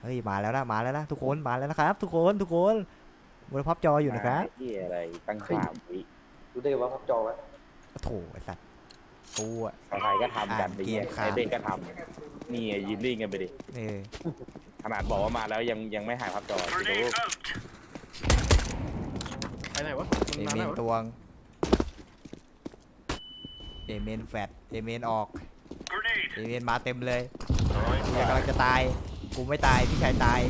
เฮ้ยมาแล้วนะทุกคนมาแล้วนะครับทุกคนบนพับจออยู่นะครับที่อะไรตั้ง3 วิรู้ได้ว่าพับจอวะโถไอ้สัตว์กูอะใครก็ทำกันไปเกเงี้มยขาดไอเด็กก็ทำนี่ยืนนิ่งกันไปดิเออขนาดบอกว่ามาแล้วยังไม่หายภาพจอดูไปไหนวะเอเมนตวงเอเมนแฟดเอเมนออกเอเมนมาเต็มเลยเนี่ยกำลังจะตายกูไม่ตายพี่ชายตาย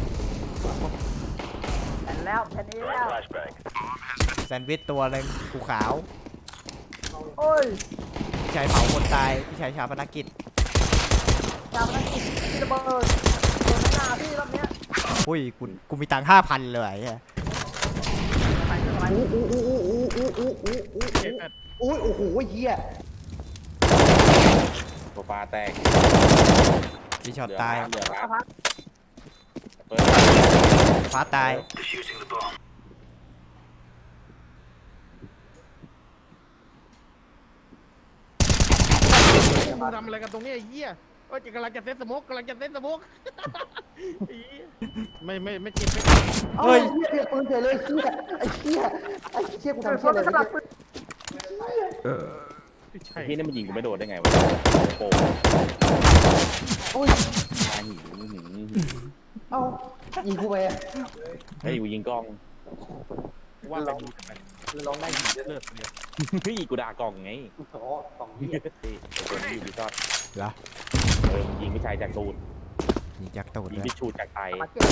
แผ่นแล้วแผ่นนี้แล้วแซนด์วิชตัวหนึงกูขาวโอ้ยพี่ชายเผาคนตายพี่ชายชาปนกิจจำได้ที่ระเบิดโดนหน้าพี่รอบเนี้ยอุ้ยกูมีตังค์5,000เลยไอ้ใส่เครื่องอะไรอุ้ยโอ้โหเฮียตัวปลาแตกพี่ช็อตตายเหลือพักเปิดฟ้าตายมึงทำอะไรกันตรงนี้ไอ้เหี้ยว่ากำลังจะเซ็ตสโมกไอ้เหี้ยไม่เจ็บไม่เฮ้ยเฮียเรียกปืนเฉยเลยเฮียไอ้เฮียกูเกิดทำคเฮียนอะไรสลับเนี่ยปืนใช่พี่นี่มันยิงกูไม่โดนได้ไงวะโป่งอุ้ยมาหิวเอ้ายิงกูไปอะเฮ้ยกูยิงกล้องว่าไปดูทำไมลองได้ยิงเลิศเนี่ยเฮ้ยกูด่ากล้องไงอ๋อสองเฮียนี่ตัวนี้อยู่ที่ชอตเหรอมึงยิงพี่ชายจากตูดยิงจากตูดยิเลงยพี่ชูจากไตมาเก็บ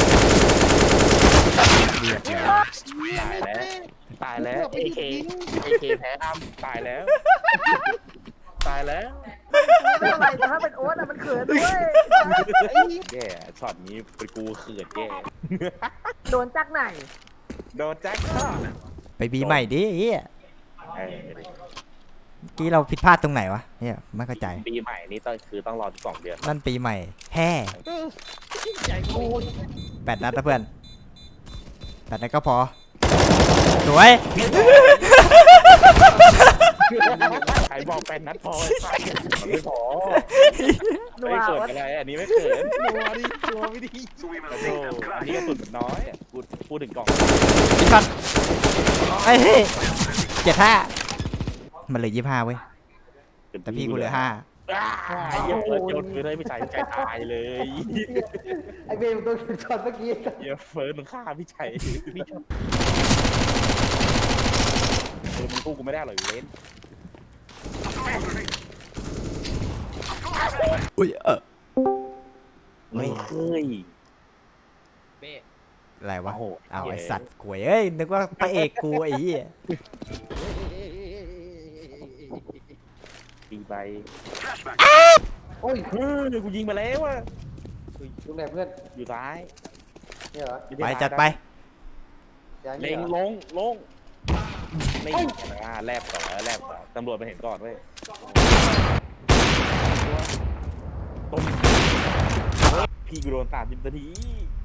เรียบเลยตายแล้วเอเคแพ้อ้ำตายแล้วตายแล้วไม่เป็นไรแต่ถ้าเป็นโอ๊ตอะมันเขินด้วยแย่ช็อตนี้เป็นกูเขินแย่โดนจักไหนโดนแจ็คฆ่าไปบีใหม่ดิเฮียเออเมื่อกี้เราผิดพลาดตรงไหนวะเฮียไม่เข้าใจปีใหม่นี่ต้องรอที่2 เดือนนั่นปีใหม่แฮ่ใหญ่กู 8 นัดนะเพื่อน8 นัดก็พอสวยใครบอก8 นัดพอมันไม่พอนัวไม่เกิดโอ๊ตอะไรอันนี้ไม่เกิดตัวไม่ดีโอ้โหอันนี้กระสุนมันน้อยพูดถึงกล่องพี่ช็อตไอ้เฮ้ย75มันเหลือ25เว้ยแต่พี่กูเหลือ5 ไอ้เหี้ยเปิดโยนปืนเลยพี่ชายตายเลยไอ้เบมโดนช็อตเมื่อกี้เหี้ยเฟิร์สมันฆ่าพี่ชัยพี่ชอบมันกู้กูไม่ได้หรอกเว้นอุ้ยเเฮ้ยฮ้ยอะไรวะโอ้โหเอาไอสัตว์กวยเอ้ยนึกว่าพระเอกกูไอ้เหี้ยปีใบโอ้ยเฮ้ยกูยิงมาแล้วอ่ะลูกไหนเพื่อนอยู่ซ้ายเนี่ยเหรอไปจัดไปย้ายเล็เนี่ยงเหรอลงไม่แลบต่อตำรวจมาเห็นก่อนเว้ยต้มพี่กูโดน30 นาที